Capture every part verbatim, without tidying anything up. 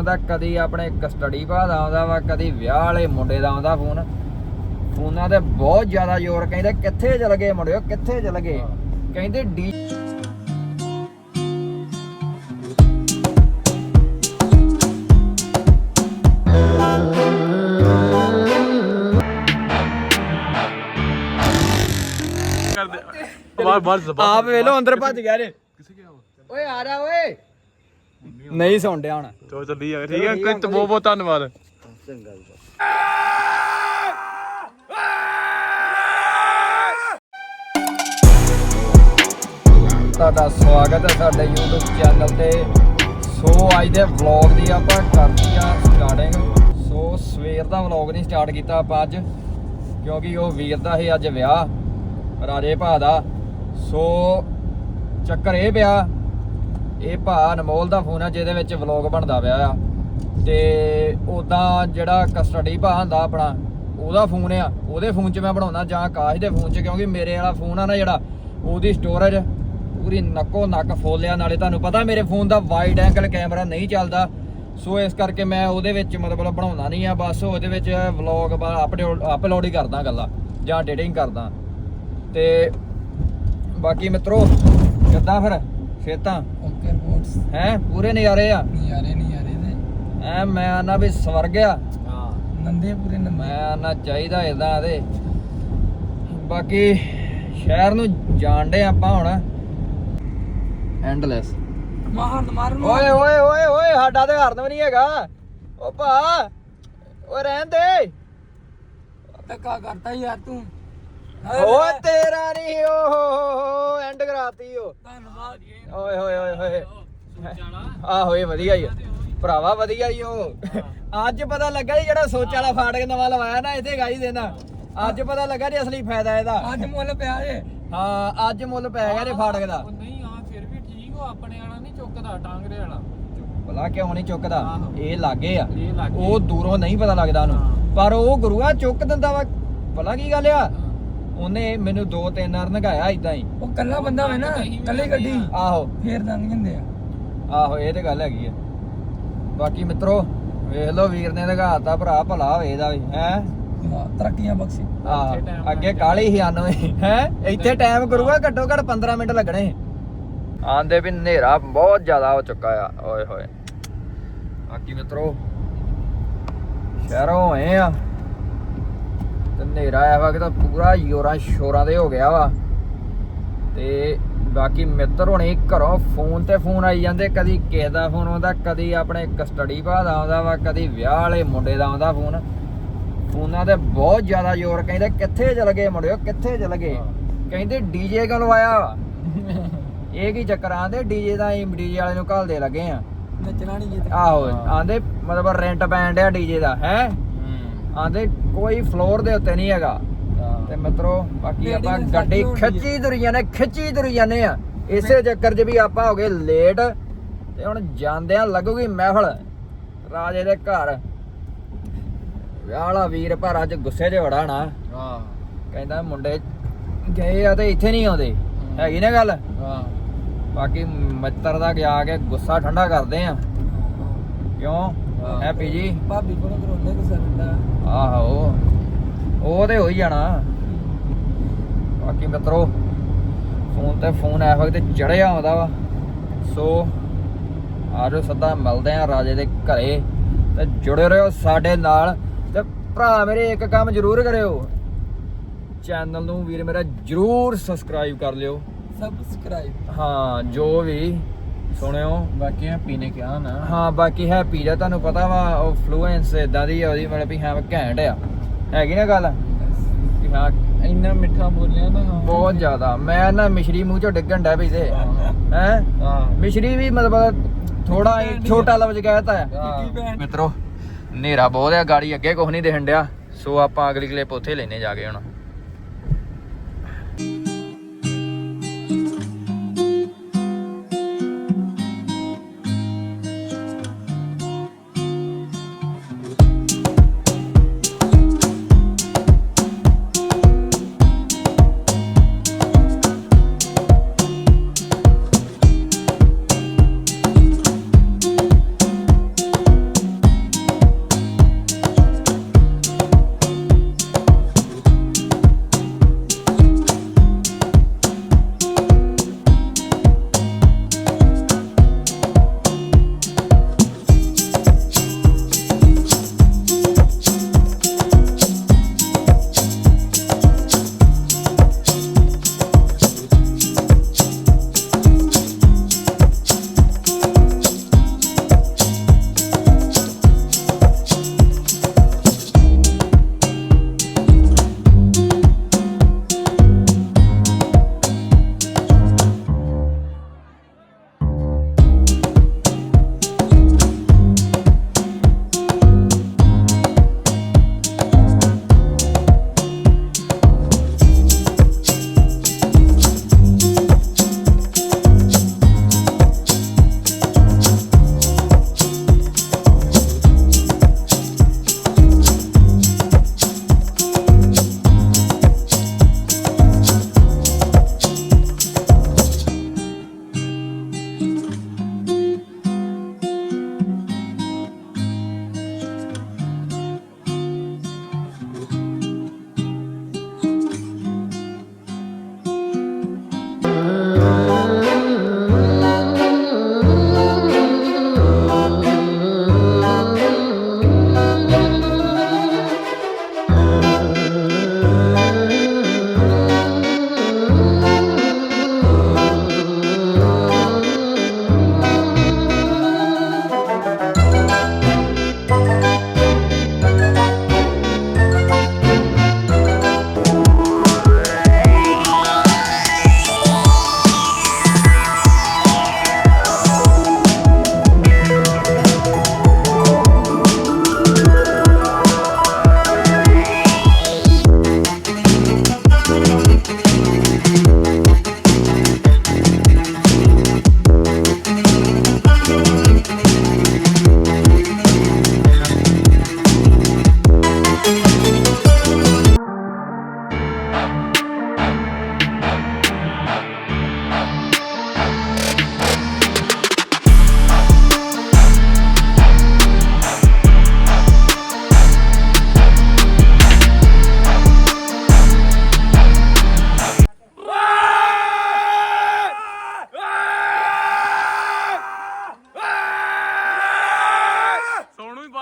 ਆਉਂਦਾ, ਕਦੀ ਆਪਣੇ ਕਸਟਡੀ ਭਾ ਦਾ ਆਉਂਦਾ ਵਾ, ਕਦੀ ਵਿਆਹ ਵਾਲੇ ਮੁੰਡੇ ਦਾ ਆਉਂਦਾ ਫੋਨ। ਫੋਨਾਂ ਤੇ ਬਹੁਤ ਜ਼ਿਆਦਾ ਜ਼ੋਰ, ਕਹਿੰਦੇ ਕਿੱਥੇ ਚਲ ਗਏ ਮੁੰਡਿਓ, ਕਿੱਥੇ ਚਲ ਗਏ, ਕਹਿੰਦੇ ਡੀ ਆਪ ਵੇਲੋ ਅੰਦਰ ਭੱਜ ਗਿਆ ਰੇ। ਓਏ ਆ ਜਾ ਓਏ, ਨਹੀਂ ਸੁਣ ਡਿਆ ਹੁਣ। ਚਲੋ ਚੱਲੀ ਜਾ, ਠੀਕ ਹੈ ਅੰਕਲ, ਬਹੁਤ ਬਹੁਤ ਧੰਨਵਾਦ। ਚੰਗਾ ਜੀ। ਤੁਹਾਡਾ ਸਵਾਗਤ ਹੈ ਸਾਡੇ YouTube ਚੈਨਲ ਤੇ। ਸੋ ਅੱਜ ਦੇ ਵਲੌਗ ਦੀ ਆਪਾਂ ਕਰਦੀ ਆ ਸਟਾਰਟਿੰਗ। ਸੋ ਸਵੇਰ ਦਾ ਵਲੌਗ ਨਹੀਂ ਸਟਾਰਟ ਕੀਤਾ ਆਪਾਂ ਅੱਜ, ਕਿਉਂਕਿ ਉਹ ਵੀਰ ਦਾ ਸੀ ਅੱਜ ਵਿਆਹ, ਰਾਜੇ ਭਾ ਦਾ। ਸੋ ਚੱਕਰ ਇਹ ਪਿਆ, ਇਹ ਭਾ ਅਨਮੋਲ ਦਾ ਫੋਨ ਆ ਜਿਹਦੇ ਵਿੱਚ ਵਲੌਗ ਬਣਦਾ ਪਿਆ ਆ, ਤੇ ਉੱਦਾਂ ਜਿਹੜਾ ਕਸਟਡੀ ਭਾ ਹੁੰਦਾ ਆਪਣਾ, ਉਹਦਾ ਫੋਨ ਆ, ਉਹਦੇ ਫੋਨ 'ਚ ਮੈਂ ਬਣਾਉਣਾ ਜਾਂ ਆਕਾਸ਼ ਦੇ ਫੋਨ 'ਚ, ਕਿਉਂਕਿ ਮੇਰੇ ਵਾਲਾ ਫੋਨ ਆ ਨਾ ਜਿਹੜਾ, ਉਹਦੀ ਸਟੋਰੇਜ ਪੂਰੀ ਨੱਕੋ ਨੱਕ ਫੁੱਲ ਆ। ਨਾਲੇ ਤੁਹਾਨੂੰ ਪਤਾ ਮੇਰੇ ਫੋਨ ਦਾ ਵਾਈਡ ਐਂਗਲ ਕੈਮਰਾ ਨਹੀਂ ਚੱਲਦਾ, ਸੋ ਇਸ ਕਰਕੇ ਮੈਂ ਉਹਦੇ ਵਿੱਚ ਮਤਲਬ ਬਣਾਉਂਦਾ ਨਹੀਂ ਆ। ਬਸ ਉਹਦੇ ਵਿੱਚ ਵਲੌਗ ਅਪਲੋਡ ਅਪਲੋਡ ਹੀ ਕਰਦਾ ਗੱਲਾਂ ਜਾਂ ਐਡੀਟਿੰਗ ਕਰਦਾ। ਤੇ ਬਾਕੀ ਮਿੱਤਰੋ ਕਿੱਦਾਂ ਫਿਰ ਖੇਤਾਂ ਓਕੇ ਰਿਪੋਰਟਸ ਹੈ, ਪੂਰੇ ਨਜ਼ਾਰੇ ਆ? ਨਜ਼ਾਰੇ ਨਜ਼ਾਰੇ ਦੇ ਐ ਮੈਂ ਆਨਾ ਵੀ ਸਵਰਗ ਆ। ਹਾਂ ਨੰਦੇ ਪੂਰੇ ਨੰਦੇ। ਮੈਂ ਆਨਾ ਚਾਹੀਦਾ ਇਦਾਂ ਦੇ। ਬਾਕੀ ਸ਼ਹਿਰ ਨੂੰ ਜਾਣਦੇ ਆਪਾਂ ਹੁਣ ਐਂਡਲੈਸ। ਮਾਰਨ ਮਾਰਨ ਓਏ ਓਏ ਓਏ ਓਏ, ਸਾਡਾ ਤੇ ਹਰਨ ਵੀ ਨਹੀਂ ਹੈਗਾ। ਓ ਭਾ ਓਏ ਰਹਿਣ ਦੇ, ਧੱਕਾ ਕਰਤਾ ਯਾਰ ਤੂੰ। ਓਏ ਤੇਰਾ ਨਹੀਂ, ਓਹ ਐਂਡ ਕਰਾਤੀ ਓ। ਧੰਨਵਾਦ। ਓਏ ਹੋਏ ਓਏ ਹੋਏ, ਆਹੋ ਇਹ ਵਧੀਆ ਹੀ ਆ ਭਰਾਵਾ, ਵਧੀਆ ਹੀ ਉਹ। ਅੱਜ ਪਤਾ ਲੱਗਾ ਜੀ ਜਿਹੜਾ ਸੋਚ ਵਾਲਾ ਫਾਟਕ ਨਵਾਂ ਲਵਾਇਆ ਨਾ ਇੱਥੇ ਗਾਈ ਦੇਣਾ, ਅੱਜ ਪਤਾ ਲੱਗਾ ਜੀ ਅਸਲੀ ਫਾਇਦਾ ਇਹਦਾ। ਅੱਜ ਮੁੱਲ ਪਿਆ ਜੇ। ਹਾਂ ਅੱਜ ਮੁੱਲ ਪੈ ਗਿਆ ਜੀ ਫਾਟਕ ਦਾ। ਨਹੀਂ ਆ ਫਿਰ ਵੀ ਠੀਕ ਹੋ, ਆਪਣੇ ਵਾਲਾ ਨਹੀਂ ਚੁੱਕਦਾ, ਟਾਂਗਰੇ ਵਾਲਾ ਭਲਾ ਕਿਉਂ ਨਹੀਂ ਚੁੱਕਦਾ? ਇਹ ਲਾਗੇ ਆ, ਇਹ ਲਾਗੇ। ਉਹ ਦੂਰੋਂ ਨਹੀਂ ਪਤਾ ਲੱਗਦਾ ਉਹਨੂੰ, ਪਰ ਉਹ ਗੁਰੂਆ ਚੁੱਕ ਦਿੰਦਾ ਵਾ। ਭਲਾ ਕੀ ਗੱਲ ਆ, ਉਹਨੇ ਮੈਨੂੰ ਦੋ ਤਿੰਨ ਵਾਰ ਨਗਾਇਆ ਇਦਾਂ ਹੀ। ਉਹ ਕੱਲਾ ਬੰਦਾ ਹੋਵੇ ਨਾ, ਕੱਲੀ ਗੱਡੀ, ਆਹੋ ਫੇਰ ਦੰਗ ਜਾਂਦੇ ਆ। ਆਹੋ ਇਹ ਤੇ ਗੱਲ ਹੈਗੀ ਆ। ਬਾਕੀ ਮਿੱਤਰੋ ਵੇਖ ਲਓ, ਵੀਰ ਨੇ ਦਿਖਾਤਾ, ਭਰਾ ਭਲਾ ਹੋਵੇ ਇਹਦਾ ਵੀ ਹੈ। ਵਾਹ ਤਰੱਕੀਆਂ ਬਖਸ਼ੀ। ਆਹ ਅੱਗੇ ਕਾਲੀ ਸੀ ਆਨਵੇਂ ਹੈ, ਇੱਥੇ ਟਾਈਮ ਕਰੂਗਾ ਘੱਟੋ ਘੱਟ ਪੰਦਰਾਂ ਮਿੰਟ ਲੱਗਣੇ। ਆਂਦੇ ਵੀ ਹਨੇਰਾ ਬਹੁਤ ਜ਼ਿਆਦਾ ਹੋ ਚੁੱਕਾ ਆ। ਓਏ ਹੋਏ। ਬਾਕੀ ਮਿੱਤਰੋ ਸ਼ਹਿਰੋਂ ਆਏ ਆ ਤੇ ਹਨੇਰਾ ਆਇਆ ਵਾ ਕਿ ਤਾਂ ਪੂਰਾ ਯੋਰਾਂ ਸ਼ੋਰਾਂ ਦੇ ਹੋ ਗਿਆ ਵਾ। ਤੇ ਬਾਕੀ ਮਿੱਤਰ ਹੁਣੇ ਘਰੋਂ ਫੋਨ ਤੇ ਫੋਨ ਆਈ ਜਾਂਦੇ, ਕਦੀ ਕਿਸੇ ਦਾ ਫੋਨ ਆਉਂਦਾ, ਕਦੀ ਆਪਣੇ ਕਸਟਡੀ ਭਾ ਦਾ ਆਉਂਦਾ ਵਾ, ਕਦੀ ਵਿਆਹ ਵਾਲੇ ਮੁੰਡੇ ਦਾ ਆਉਂਦਾ ਫੋਨ। ਫੋਨਾਂ ਤੇ ਬਹੁਤ ਜ਼ਿਆਦਾ ਜ਼ੋਰ, ਕਹਿੰਦੇ ਕਿੱਥੇ ਚਲ ਗਏ ਮੁੰਡਿਓ, ਕਿੱਥੇ ਚਲ ਗਏ, ਕਹਿੰਦੇ ਡੀਜੇ ਕਿਉਂ ਲਵਾਇਆ ਵਾ। ਇਹ ਕੀ ਚੱਕਰ ਆਂਦੇ, ਡੀਜੇ ਦਾ ਹੀ ਡੀਜੇ ਵਾਲੇ ਨੂੰ ਘੱਲਦੇ ਲੱਗੇ ਆ। ਨੱਚਣਾ ਨਹੀਂ ਜੇ। ਆਹੋ ਆਂਦੇ ਮਤਲਬ ਰੈਂਟ ਪੈਣ ਡਿਆ ਡੀਜੇ ਦਾ ਹੈ। ਆਂਦੇ ਕੋਈ ਫਲੋਰ ਦੇ ਉੱਤੇ ਨਹੀਂ ਹੈਗਾ। ਤੇ ਮਿੱਤਰੋ ਬਾਕੀ ਆਪਾਂ ਗੱਡੀ ਖਿੱਚੀ ਤੁਰੀ ਜਾਂਦੇ, ਖਿੱਚੀ ਤੁਰੀ ਜਾਂਦੇ ਆ। ਇਸੇ ਚੱਕਰ 'ਚ ਵੀ ਆਪਾਂ ਹੋ ਗਏ ਲੇਟ, ਤੇ ਹੁਣ ਜਾਂਦਿਆਂ ਲੱਗੂਗੀ ਮਹਿਫਲ ਰਾਜੇ ਦੇ ਘਰ। ਵਿਆਹ ਵਾਲਾ ਵੀਰ ਪਰ ਅੱਜ ਗੁੱਸੇ 'ਚ ਬੜਾ ਨਾ, ਕਹਿੰਦਾ ਮੁੰਡੇ ਗਏ ਆ ਤੇ ਇੱਥੇ ਨਹੀਂ ਆਉਂਦੇ, ਹੈਗੀ ਨਾ ਗੱਲ। ਬਾਕੀ ਮਿੱਤਰ ਦਾ ਗਿਆ ਕੇ ਗੁੱਸਾ ਠੰਡਾ ਕਰਦੇ ਆ। ਕਿਉਂ ਹੈਪੀ ਜੀ? ਭਾਬੀ ਕੋਲੋਂ ਕਰੋਨੇ ਗੁੱਸਾ ਦਿੰਦਾ। ਆਹੋ ਉਹ ਤੇ ਹੋ ਹੀ ਜਾਣਾ। ਬਾਕੀ ਮਿੱਤਰੋ ਫੋਨ ਤੇ ਫੋਨ ਇਸ ਵਕਤ ਚੜਿਆ ਆਉਂਦਾ ਵਾ। ਸੋ ਆਜੋ ਸਿੱਧਾ ਮਿਲਦੇ ਆ ਰਾਜੇ ਦੇ ਘਰੇ, ਤੇ ਜੁੜੇ ਰਹੋ ਸਾਡੇ ਨਾਲ। ਤੇ ਭਰਾ ਮੇਰੇ ਇੱਕ ਕੰਮ ਜ਼ਰੂਰ ਕਰਿਓ, ਚੈਨਲ ਨੂੰ ਵੀਰ ਮੇਰਾ ਜ਼ਰੂਰ ਸਬਸਕ੍ਰਾਈਬ ਕਰ ਲਿਓ। ਸਬਸਕ੍ਰਾਈਬ ਹਾਂ ਜੋ ਵੀ ਸੁਣਿਓ। ਬਾਕੀ ਹੈਪੀ ਨੇ ਕਿਹਾ ਨਾ। ਹਾਂ ਬਾਕੀ ਹੈਪੀ ਦਾ ਤੁਹਾਨੂੰ ਪਤਾ ਵਾ, ਉਹ ਫਲੂਐਂਸ ਇਦਾਂ ਦੀ ਆ ਉਹਦੀ, ਮਤਲਬ ਵੀ ਹਾਂ ਘੈਂਟ ਆ, ਹੈਗੀ ਨਾ ਗੱਲ ਵੀ ਹਾਂ। ਇੰਨਾ ਮਿੱਠਾ ਬੋਲਿਆ ਨਾ, ਬਹੁਤ ਜ਼ਿਆਦਾ। ਮੈਂ ਨਾ ਮਿਸ਼ਰੀ ਮੂੰਹ ਚੋਂ ਡਿੱਗਣ ਡੈ ਪਈ ਤੇ ਹੈ। ਮਿਸ਼ਰੀ ਵੀ ਮਤਲਬ ਥੋੜਾ ਛੋਟਾ ਲਫ਼ਜ਼ ਕਹਿਤਾ ਆ। ਮਿੱਤਰੋ ਹਨੇਰਾ ਬਹੁਤ ਆ, ਗਾੜੀ ਅੱਗੇ ਕੁਛ ਨਹੀਂ ਦਿਖਣ ਡਿਆ। ਸੋ ਆਪਾਂ ਅਗਲੀ ਕਲਿੱਪ ਉੱਥੇ ਲੈਨੇ ਜਾ ਕੇ ਹੁਣ।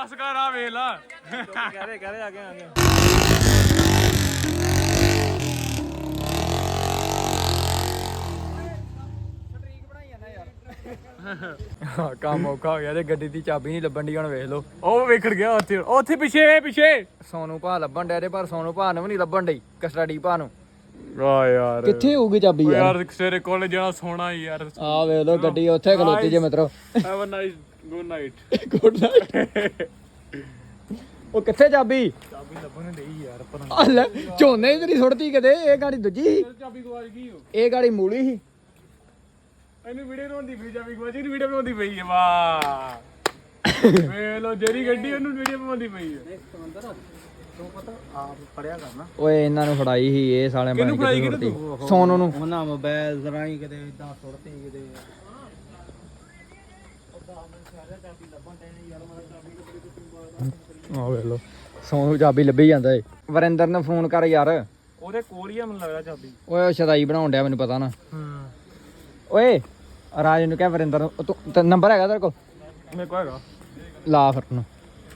ਬਸ ਕਰ ਆ ਵੇਖ ਲਾ ਕਹਦੇ ਕਹਦੇ ਆ ਗਏ ਆ ਗਏ ਹਾਂ ਕੰਮ ਔਖਾ ਹੋ ਗਿਆ ਤੇ ਗੱਡੀ ਦੀ ਚਾਬੀ ਨਹੀਂ ਲੱਭਣ ਦੀ ਹੁਣ ਵੇਖ ਲਓ ਉਹ ਵੇਖੜ ਗਿਆ ਉੱਥੇ ਉੱਥੇ ਪਿੱਛੇ ਪਿੱਛੇ ਸੋਨੂੰ ਭਾ ਲੱਭਣ ਡਿਆ ਤੇ ਪਰ ਸੋਨੂੰ ਭਾ ਨੂੰ ਵੀ ਨਹੀਂ ਲੱਭਣ ਡਈ ਕਸਟਡੀ ਭਾ ਨੂੰ ਆ ਯਾਰ ਕਿੱਥੇ ਹੋਊਗੀ ਚਾਬੀ ਓ ਯਾਰ ਯਾਰ ਸਵੇਰੇ ਕਾਲਜ ਜਾਣਾ ਸੋਣਾ ਹੀ ਯਾਰ ਆ ਵੇਖ ਲਓ ਗੱਡੀ ਉੱਥੇ ਖਲੋਤੀ ਜੇ ਮਿੱਤਰੋ have a nice good night good night ਉਹ ਕਿੱਥੇ ਚਾਬੀ ਚਾਬੀ ਲੱਭਣ ਡਈ ਯਾਰ ਪਰ ਆ ਲੈ ਝੋਨੇ ਤੇਰੀ ਸੁੱਟਤੀ ਕਿਤੇ ਇਹ ਗਾੜੀ ਦੂਜੀ ਸੀ ਚਾਬੀ ਗਵਾਚ ਗਈ ਓ ਇਹ ਗਾੜੀ ਮੂਲੀ ਸੀ ਇਹਨੂੰ ਵੀਡੀਓ ਬਣਾਉਂਦੀ ਪਈ ਚਾਬੀ ਗਵਾਚ ਇਹਨੂੰ ਵੀਡੀਓ ਬਣਾਉਂਦੀ ਪਈ ਹੈ ਵਾਹ ਵੇਖ ਲੋ ਜਿਹੜੀ ਗੱਡੀ ਉਹਨੂੰ ਵੀਡੀਓ ਬਣਾਉਂਦੀ ਪਈ ਹੈ ਓਏ ਇਹਨਾਂ ਨੂੰ ਫੜਾਈ ਸੀ ਇਹ ਸਾਲਿਆਂ ਕਿਹਨੂੰ ਬਣ ਕੇ ਫੜਾਈ ਸੁੱਟਤੀ ਸੋਨੂੰ ਨੂੰ ਉਹਨਾਂ ਮੋਬਾਈਲ ਜ਼ਰਾਈ ਕਿਤੇ ਇਦਾਂ ਸੁੱਟਤੀ ਕਿਤੇ ਆ ਵੇਖ ਲਓ ਸੋਨੂੰ ਚਾਬੀ ਲੱਭੀ ਜਾਂਦਾ ਏ ਵਰਿੰਦਰ ਨੂੰ ਫੋਨ ਕਰ ਯਾਰ ਉਹਦੇ ਕੋਲ ਹੀ ਆ ਮੈਨੂੰ ਲੱਗਦਾ ਚਾਬੀ ਓਏ ਉਹ ਸ਼ਦਾਈ ਬਣਾਉਣ ਡਿਆ ਮੈਨੂੰ ਪਤਾ ਨਾ ਹੂੰ ਓਏ ਰਾਜ ਨੂੰ ਕਹਿ ਵਰਿੰਦਰ ਨੂੰ ਉਹ ਤੂੰ- ਤੇਰਾ ਨੰਬਰ ਹੈਗਾ ਤੇਰੇ ਕੋਲ ਮੇਰੇ ਕੋਲ ਹੈਗਾ ਲਾ ਫਿਰ ਨੂੰ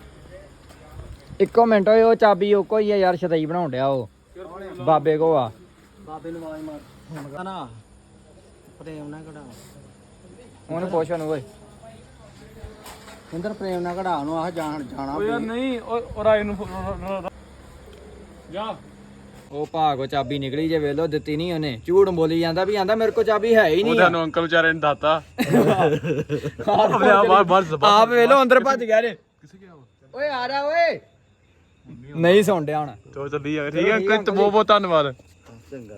ਇੱਕੋ ਮਿੰਟ ਓਏ ਉਹ ਚਾਬੀ ਉਹ ਕੋਈ ਆ ਯਾਰ ਸ਼ਦਾਈ ਬਣਾਉਣ ਡਿਆ ਉਹ ਬਾਬੇ ਕੋ ਆ ਬਾਬੇ ਨੂੰ ਆਵਾਜ਼ ਮਾਰ ਹੁਣ ਨਾ ਪ੍ਰੇਮ ਨਾ ਕਢਾ ਉਹਨੂੰ ਪੁੱਛ ਉਹਨੂੰ ਓਏ ਇੰਦਰ ਪ੍ਰੇਮ ਨਾ ਕਢਾ ਨੂੰ ਆਹ ਜਾਣ ਜਾਣਾ ਉਹ ਯਾਰ ਨਹੀਂ ਉਹ ਰਾਏ ਨੂੰ ਜਾ ਉਹ ਭਾਗੋ ਚਾਬੀ ਨਿਕਲੀ ਜੇ ਵੇਖ ਲੋ ਦਿੱਤੀ ਨਹੀਂ ਉਹਨੇ ਝੂਠ ਬੋਲੀ ਜਾਂਦਾ ਵੀ ਆਂਦਾ ਮੇਰੇ ਕੋਲ ਚਾਬੀ ਹੈ ਹੀ ਉਹ ਨਹੀਂ ਤੁਹਾਨੂੰ ਅੰਕਲ ਵਿਚਾਰੇ ਨੇ ਦਾਤਾ ਆਪਣੇ ਆਪ ਬਾਹਰ ਬਾਹਰ ਜ਼ਬਾਨ ਆਪ ਵੇਖ ਲੋ ਅੰਦਰ ਭੱਜ ਗਿਆ ਰੇ ਕਿੱਥੇ ਗਿਆ ਓਏ ਆ ਜਾ ਓਏ ਨਹੀਂ ਸੁਣ ਡਿਆ ਹੁਣ ਚੋ ਚੱਲੀ ਆ ਠੀਕ ਹੈ ਅੰਕਲ ਤੇ ਬਹੁਤ ਬਹੁਤ ਧੰਨਵਾਦ ਚੰਗਾ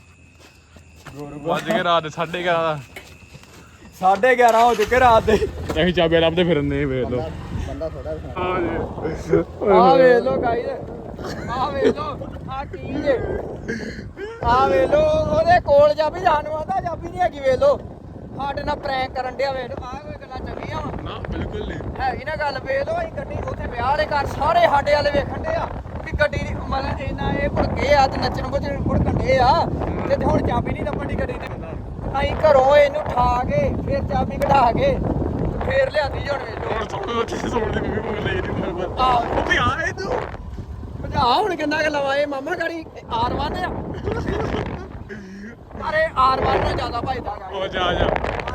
ਵੱਜ ਕੇ ਰਾਤ ਦੇ ਸਾਢੇ ਗਿਆਰਾਂ ਦਾ ਸਾਢੇ ਗਿਆਰਾਂ ਹੋ ਚੁੱਕੇ ਰਾਤ ਦੇ ਅਸੀਂ ਚਾਬੀਆਂ ਲੱਭਦੇ ਫਿਰਨੇ ਵੇਖ ਲੋ ਬੰਦਾ ਥੋੜਾ ਹਾਂ ਜੀ ਆ ਵੇਖ ਲੋ ਗਾਈਸ ਆ ਵੇਖ ਲੋ ਆ ਕੀ ਜੇ ਆ ਵੇਖ ਲੋ ਉਹਦੇ ਕੋਲ ਚਾਬੀ ਸਾਨੂੰ ਆਂਦਾ ਚਾਬੀ ਨਹੀਂ ਹੈਗੀ ਵੇਖ ਲੋ ਸਾਡੇ ਨਾਲ ਪ੍ਰੈਂਕ ਕਰਨ ਡਿਆ ਵੇਖ ਲੋ ਆ ਕੋਈ ਗੱਲਾਂ ਚੰਗੀਆਂ ਵਾ ਨਾ ਬਿਲਕੁਲ ਨਹੀਂ ਹੈਗੀ ਨਾ ਗੱਲ ਵੇਖ ਲੋ ਅਸੀਂ ਗੱਡੀ ਉੱਥੇ ਵਿਆਹ ਵਾਲੇ ਘਰ ਸਾਰੇ ਸਾਡੇ ਵਾਲੇ ਵੇਖਣ ਦੇ ਆ ਕਿ ਗੱਡੀ ਦੀ ਮਤਲਬ ਇਹਨਾਂ ਇਹ ਭੁੜਕੇ ਆ ਤੇ ਨੱਚਣ ਬੁੱਝਣ ਭੁੜਕਣ ਦੇ ਆ ਤੇ ਹੁਣ ਚਾਬੀ ਨਹੀਂ ਲੱਭਣ ਦੀ ਗੱਡੀ ਦੀ ਅਸੀਂ ਘਰੋਂ ਇਹਨੂੰ ਠਾ ਕੇ ਫਿਰ ਚਾਬੀ ਕਢਾ ਕੇ ਫੇਰ ਲਿਆਂਦੀ ਹੁਣ ਵੇਖ ਲੋ ਹੁਣ ਸੋਣ ਉੱਥੇ ਸੋਣ ਦੀ ਮੰਮੀ ਬੋਲ ਲਈ ਨਹੀਂ ਬਸ ਆਹ ਉੱਥੇ ਆ ਇਹ ਤੂੰ ਭਜਾ ਹੁਣ ਕਿੰਨਾ ਕਿ ਲਵਾਏ ਮਾਮਾ ਗਾੜੀ ਆਰ ਵਨ ਆ ਅਰੇ ਆਰ ਵਨ ਨਾਲ ਜ਼ਿਆਦਾ ਭਜਦਾ ਉਹ ਜਾ ਜਾ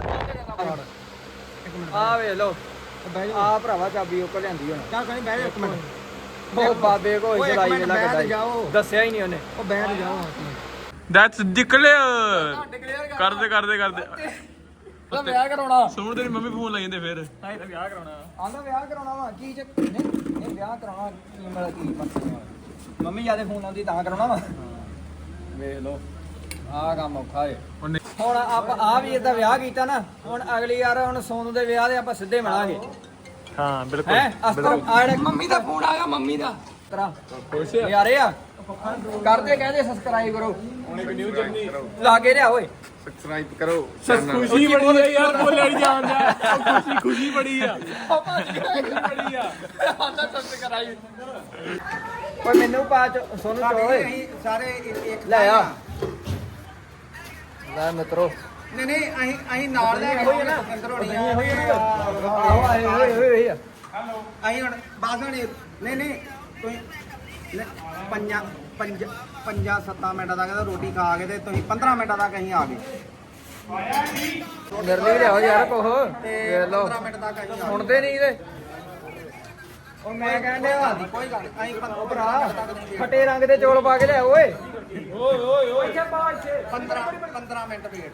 ਆ ਵੇਖ ਲੋ ਆ ਭਰਾਵਾ ਚਾਬੀ ਉਹ ਕੋ ਲਿਆਂਦੀ ਹੁਣ ਚੱਲ ਕਹੀਂ ਬਹਿ ਜਾ ਇੱਕ ਮਿੰਟ ਉਹ ਬਾਬੇ ਕੋ ਓਏ ਇੱਕ ਚਲਾਈ ਮਿੰਟ ਵੇਲਾ ਬੈਠ ਕੱਢਾਈ ਜਾਓ। ਦੱਸਿਆ ਹੀ ਨਹੀਂ ਉਹਨੇ ਉਹ ਬੈਠ ਜਾਓ ਦੈਟਸ ਡਿਕਲੇਅਰ ਕਰਦੇ ਕਰਦੇ ਕਰਦੇ ਤਾਂ ਵਿਆਹ ਕਰਾਉਣਾ ਸੁਣ ਤੇਰੀ ਮੰਮੀ ਫੋਨ ਲਾਈ ਜਾਂਦੇ ਫਿਰ ਹਾਂ ਤਾਂ ਵਿਆਹ ਕਰਾਉਣਾ ਆਂਦਾ ਵਿਆਹ ਕਰਾਉਣਾ ਵਾ ਕੀ ਚੱਕ ਨਹੀਂ ਇਹ ਵਿਆਹ ਕਰਾਉਣਾ ਕੀ ਮੇਰਾ ਕੀ ਪਰਸਨ ਮੰਮੀ ਜਿਆਦੇ ਫੋਨ ਆਉਂਦੀ ਤਾਂ ਕਰਾਉਣਾ ਵਾ ਵੇਖ ਲੋ ਆਹ ਕੰਮ ਔਖਾ ਏ ਉਹਨੇ ਹੁਣ ਆਪਾਂ ਆ ਵੀ ਇਹਦਾ ਵਿਆਹ ਕੀਤਾ ਨਾ ਹੁਣ ਅਗਲੀ ਯਾਰ ਹੁਣ ਸੋਨੂ ਦੇ ਵਿਆਹ ਦੇ ਆਪਾਂ ਸਿੱਧੇ ਮਿਲਾਂਗੇ ਹਾਂ ਬਿਲਕੁਲ ਹੈ ਅਸਤਾ ਆੜੇ ਮੰਮੀ ਦਾ ਫੋਨ ਆਇਆ ਮੰਮੀ ਦਾ ਤਰਾ ਯਾਰੇ ਆ ਕਰਦੇ ਕਹਦੇ ਸਬਸਕ੍ਰਾਈਬ ਕਰੋ ਹੁਣ ਇੱਕ ਨਿਊ ਜਰਨੀ ਲਾਗੇ ਲਿਆ ਓਏ ਸਬਸਕ੍ਰਾਈਬ ਕਰੋ ਖੁਸ਼ੀ ਬੜੀ ਹੈ ਯਾਰ ਬੋਲਿਆ ਨਹੀਂ ਜਾਂਦਾ ਖੁਸ਼ੀ ਖੁਸ਼ੀ ਬੜੀ ਆ ਬੜੀ ਆ ਆਂਦਾ ਸਬਸਕ੍ਰਾਈਬ ਓਏ ਮੈਨੂੰ ਪਾ ਚ ਸੋਨੂ ਚ ਓਏ ਸਾਰੇ ਇੱਕ ਲੈ ਆ ਲੈ ਮਿੱਤਰੋ ਨਹੀਂ ਨਹੀਂ ਅਸੀਂ ਅਸੀਂ ਨਾਲ ਲੈ ਕੇ ਆਉਣਾ ਅੰਦਰ ਹੋਣੀ ਆ ਆਓ ਆਏ ਹੋਏ ਹੋਏ ਆ ਅਸੀਂ ਹੁਣ ਬਾਅਦ ਹੋਣੀ ਨਹੀਂ ਨਹੀਂ ਤੁਸੀਂ ਨਹੀਂ, ਪੰਜਾਂ ਪੰਜ ਪੰਜਾਂ ਸੱਤਾਂ ਮਿੰਟਾਂ ਤੱਕ ਤਾਂ ਰੋਟੀ ਖਾ ਕੇ ਤੇ ਤੁਸੀਂ ਪੰਦਰਾਂ ਮਿੰਟਾਂ ਤੱਕ ਅਸੀਂ ਆ ਗਏ ਮੇਰੇ ਲਈ ਲਿਆਓ ਯਾਰ ਕੋਹ ਵੇਖ ਲਓ ਪੰਦਰਾਂ ਮਿੰਟ ਤੱਕ ਅਸੀਂ ਆ ਗਏ ਸੁਣਦੇ ਨਹੀਂ ਤੇ ਉਹ ਮੈਂ ਕਹਿੰਦੇ ਆ ਕੋਈ ਗੱਲ ਨਹੀਂ ਅਸੀਂ ਉਹ ਭਰਾ ਫਟੇ ਰੰਗ ਦੇ ਚੌਲ ਪਾ ਕੇ ਲਿਆ ਓਏ ਓਏ ਓਏ ਓਏ ਇੱਥੇ ਪਾ ਇੱਥੇ ਪੰਦਰਾਂ ਪੰਦਰਾਂ ਮਿੰਟ ਵੇਟ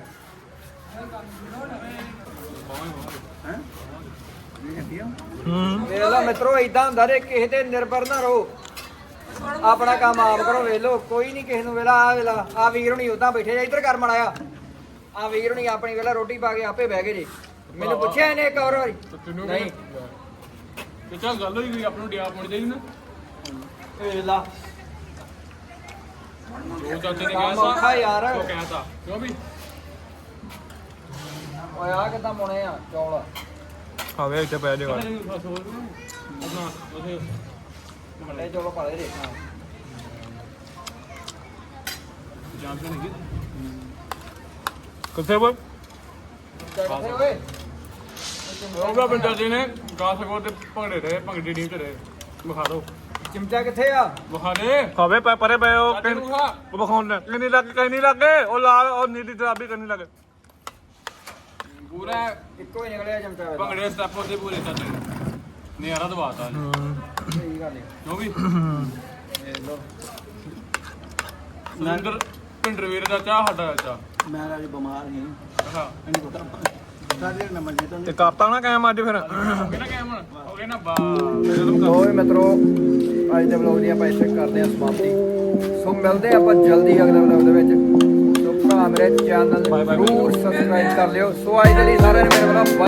ਹੂੰ ਵੇਖ ਲਓ ਮਿੱਤਰੋ ਇਦਾਂ ਹੁੰਦਾ ਰੇ ਕਿਸੇ ਤੇ ਨਿਰਭਰ ਨਾ ਰਹੋ ਆਪਣਾ ਕੰਮ ਆਪ ਕਰੋ ਵੇਖ ਲਓ ਕੋਈ ਨਹੀਂ ਕਿਸੇ ਨੂੰ ਵੇਲਾ ਆ ਵੇਲਾ ਆ ਵੀਰ ਹੁਣੀ ਉਦਾਂ ਬੈਠੇ ਜਾ ਇੱਧਰ ਕਰ ਮੜਾਇਆ ਆ ਵੀਰ ਹੁਣੀ ਆਪਣੀ ਵੇਲਾ ਰੋਟੀ ਪਾ ਕੇ ਆਪੇ ਬਹਿ ਗਏ ਜੀ ਮੈਨੂੰ ਪੁੱਛਿਆ ਇਹਨੇ ਇੱਕ ਹੋਰ ਵਾਰੀ ਨਹੀਂ ਤੇ ਚੱਲ ਗੱਲ ਹੋਈ ਗਈ ਆਪ ਨੂੰ ਡਿਆ ਪਹੁੰਚ ਜਾਈ ਨਾ ਵੇਖ ਲਾ ਉਹ ਚਾਚੇ ਨੇ ਕੰਮ ਕਿਹਾ ਔਖਾ ਯਾਰ ਉਹ ਕਹਿਤਾ ਕਿਉਂ ਵੀ ਓਏ ਆ ਕਿੱਦਾਂ ਪਾਉਣੇ ਆ ਚੌਲ ਆਵੇ ਇੱਥੇ ਪੈ ਜਾਏਗਾ ਆਪਣਾ ਉਥੇ ਵੱਡੇ ਚੌਲ ਪਾ ਦੇ ਰੇ ਜਾਂਦੇ ਨਹੀਂ ਕਿੱਥੇ ਬੋਲ ਕਿੱਥੇ ਓਏ ਉਹਦਾ ਬੰਦਾ ਜੀ ਨੇ ਗਾ ਸਕੋ ਤੇ ਭੰਗੜੇ ਰਹੇ ਭੰਗੜੀ ਟੀਮ ਚ ਰਹੇ ਵਿਖਾ ਦਿਓ ਚਿਮਟਾ ਕਿੱਥੇ ਆ ਵਿਖਾ ਦੇ ਖਾਵੇ ਪੈ ਪਰੇ ਪਏ ਉਹ ਚਾਚੇ ਨੂੰ ਵਿਖਾ ਉਹ ਵਿਖਾਉਣ ਕਿੰਨੀ ਲੱਗ ਕਿੰਨੀ ਲੱਗੇ ਉਹ ਲਾਲ ਉਹ ਨੀਲੀ ਗੁਲਾਬੀ ਕਿੰਨੀ ਲੱਗੇ ਪੂਰਾ ਇੱਕੋ ਹੀ ਨਿਕਲਿਆ ਚਿਮਟਾ ਇਹਦਾ। ਭੰਗੜੇ ਸਟੈਪ ਉਹਦੇ ਪੂਰੇ ਚਾਚੇ ਨੇ ਨਿਆਰਾ ਦਵਾਤਾ ਸਹੀ ਗੱਲ ਹੈ ਜੋ ਵੀ ਦੇਖ ਲਓ ਨੰਦਰ ਪਿੰਡਰਵੀਰ ਦਾ ਚਾਹ ਸਾਡਾ ਚਾਹ ਮੈਂ ਅੱਜ ਬਿਮਾਰ ਨਹੀਂ ਹਾਂ ਇਹਨੂੰ ਪਤਾ ਸਾਰੇ ਨਾ ਮੰਨੇ ਤੋਂ ਤੇ ਕਰਤਾ ਨਾ ਕਾਇਮ ਅੱਜ ਫਿਰ ਹੋ ਗਿਆ ਨਾ ਕੈਮ ਹੋ ਗਿਆ ਨਾ ਬਾ ਓਏ ਮਿੱਤਰੋ ਅੱਜ ਦੇ ਵਲੌਗ ਦੀ ਆਪਾਂ ਇੱਥੇ ਕਰਦੇ ਹਾਂ ਸਮਾਪਤੀ ਸੋ ਮਿਲਦੇ ਆਪਾਂ ਜਲਦੀ ਅਗਲੇ ਵਲੌਗ ਦੇ ਵਿੱਚ ਸੋ ਭਰਾ ਮੇਰੇ ਚੈਨਲ ਨੂੰ ਜ਼ਰੂਰ ਸਬਸਕ੍ਰਾਈਬ ਕਰ ਲਿਓ ਸੋ ਅੱਜ ਦੇ ਲਈ ਸਾਰਿਆਂ ਨੂੰ ਮੇਰੇ ਵੱਲੋਂ